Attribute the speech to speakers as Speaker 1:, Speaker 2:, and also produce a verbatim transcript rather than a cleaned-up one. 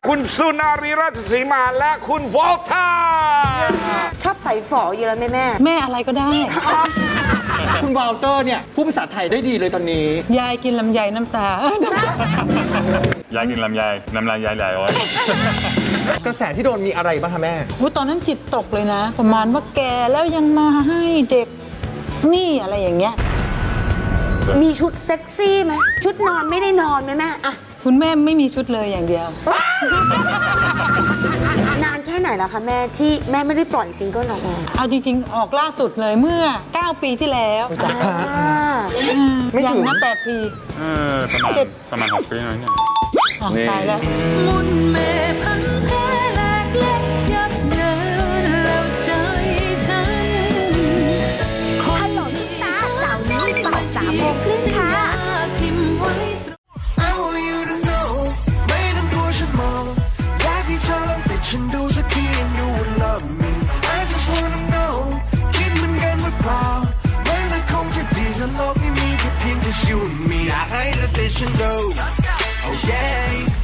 Speaker 1: คุณสุนารีราชสีมาและคุณวอลเตอร์
Speaker 2: ชอบใส่ฝอเยอะไหมแม่
Speaker 3: แม่อะไรก็ได้
Speaker 4: คุณวอลเตอร์เนี่ยพูดภาษาไทยได้ดีเลยตอนนี้
Speaker 3: ยายกินลำไยน้ำตา
Speaker 5: ยายกินลำไยน้ำลายยายไหลโอ้ย
Speaker 4: กระแสที่โดนมีอะไรบ้างคะแม่
Speaker 3: ตอนนั้นจิตตกเลยนะ ประมาณว่าแกแล้วยังมาให้เด็กนี่อะไรอย่างเงี้ย
Speaker 2: มีชุดเซ็กซี่ไหมชุดนอนไม่ได้นอนไหมแม่อะ
Speaker 3: คุณแม่ไม่มีชุดเลยอย่างเดียวน
Speaker 2: านแค่ไหนแล้วคะแม่ที่แม่ไม่ได้ปล่อยซิงเกิลออกมา
Speaker 3: เอาจริงๆออกล่าสุดเลยเมื่อเก้าปีที่แล้วจ้ะยังนะแปดปี
Speaker 5: เออประมาณประมาณหกปีน้อยเนี่ย
Speaker 3: ตายแล้ว
Speaker 6: มุนเมพันแพ้แหลกเล็กยับเยินแล้วใจฉัน
Speaker 2: ฮัลโหลลูกตาสาวนี้บ่ายสามโมงครึ่งค่ะ
Speaker 6: ทิมไว้ไม่ต้องกลัวฉันมองอยากให้เธอลองติดฉันดูสักที and you will love me I just wanna know คิดเหมือนกันหรือเปล่ามันจะคงจะดีถ้าโลกนี้มีแค่เพียงแต่ you and me อยากให้เธอติดฉันดู oh yeah